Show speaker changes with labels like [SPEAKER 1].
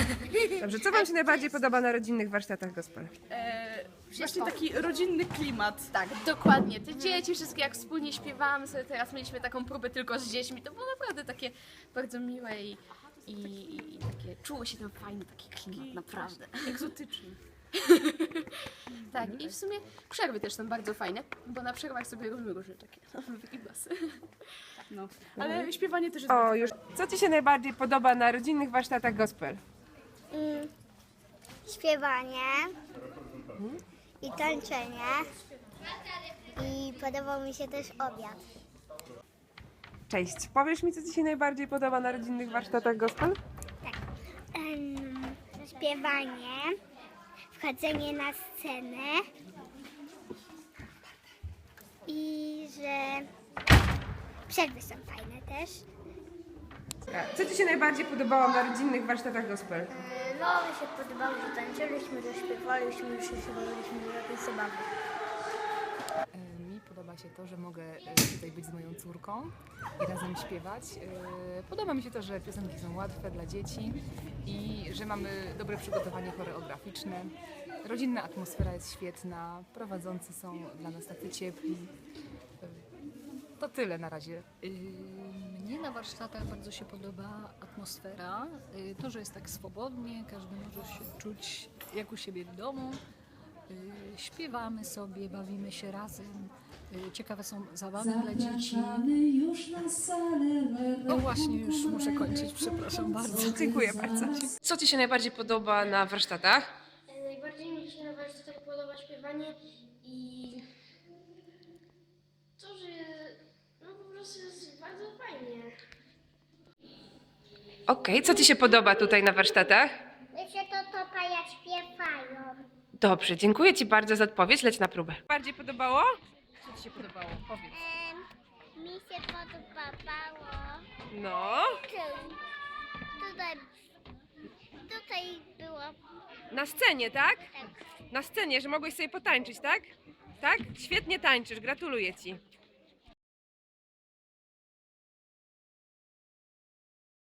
[SPEAKER 1] Dobrze, co wam się najbardziej podoba na rodzinnych warsztatach gospel?
[SPEAKER 2] Właśnie taki rodzinny klimat.
[SPEAKER 3] Tak, dokładnie. Te dzieci wszystkie jak wspólnie śpiewamy sobie, teraz mieliśmy taką próbę tylko z dziećmi, to było naprawdę takie bardzo miłe i takie, czuło się tam fajny taki klimat, naprawdę.
[SPEAKER 2] Egzotyczny.
[SPEAKER 3] Tak, i w sumie przerwy też są bardzo fajne, bo na przerwach sobie robimy różne takie wygibasy.
[SPEAKER 2] No. Ale śpiewanie też jest
[SPEAKER 1] O,
[SPEAKER 2] bardzo
[SPEAKER 1] już. Co ci się najbardziej podoba na rodzinnych warsztatach gospel?
[SPEAKER 4] Śpiewanie i tańczenie. I podobał mi się też obiad.
[SPEAKER 1] Cześć, powiesz mi, co ci się najbardziej podoba na rodzinnych warsztatach gospel?
[SPEAKER 4] Śpiewanie, wchodzenie na scenę i że przerwy są fajne też.
[SPEAKER 1] Co ci się najbardziej podobało na rodzinnych warsztatach gospel?
[SPEAKER 4] No, mi się podobało, że tańczyliśmy, że śpiewaliśmy, że się bawiliśmy, że jakieś zabawy.
[SPEAKER 5] Mi podoba się to, że mogę tutaj być z moją córką i razem śpiewać. Podoba mi się to, że piosenki są łatwe dla dzieci i że mamy dobre przygotowanie choreograficzne. Rodzinna atmosfera jest świetna, prowadzący są dla nas tacy ciepli. To tyle na razie.
[SPEAKER 6] Mnie na warsztatach bardzo się podoba atmosfera, to, że jest tak swobodnie, każdy może się czuć jak u siebie w domu. Śpiewamy sobie, bawimy się razem, ciekawe są zabawy dla dzieci. O właśnie, już muszę kończyć, przepraszam bardzo.
[SPEAKER 1] Dziękuję bardzo. Co ci się najbardziej podoba na warsztatach?
[SPEAKER 7] Najbardziej mi się na warsztatach podoba śpiewanie i to, że no po prostu jest bardzo fajnie.
[SPEAKER 1] Okej, co ci się podoba tutaj na warsztatach?
[SPEAKER 4] Wiecie, to paja śpiewają.
[SPEAKER 1] Dobrze, dziękuję ci bardzo za odpowiedź, leć na próbę. Bardziej podobało?
[SPEAKER 5] Co Ci się podobało? Powiedz.
[SPEAKER 4] Mi się podobało.
[SPEAKER 1] No.
[SPEAKER 4] Tutaj było
[SPEAKER 1] Na scenie, tak?
[SPEAKER 4] tak.
[SPEAKER 1] Na scenie, że mogłeś sobie potańczyć, tak? Tak? Świetnie tańczysz, gratuluję ci.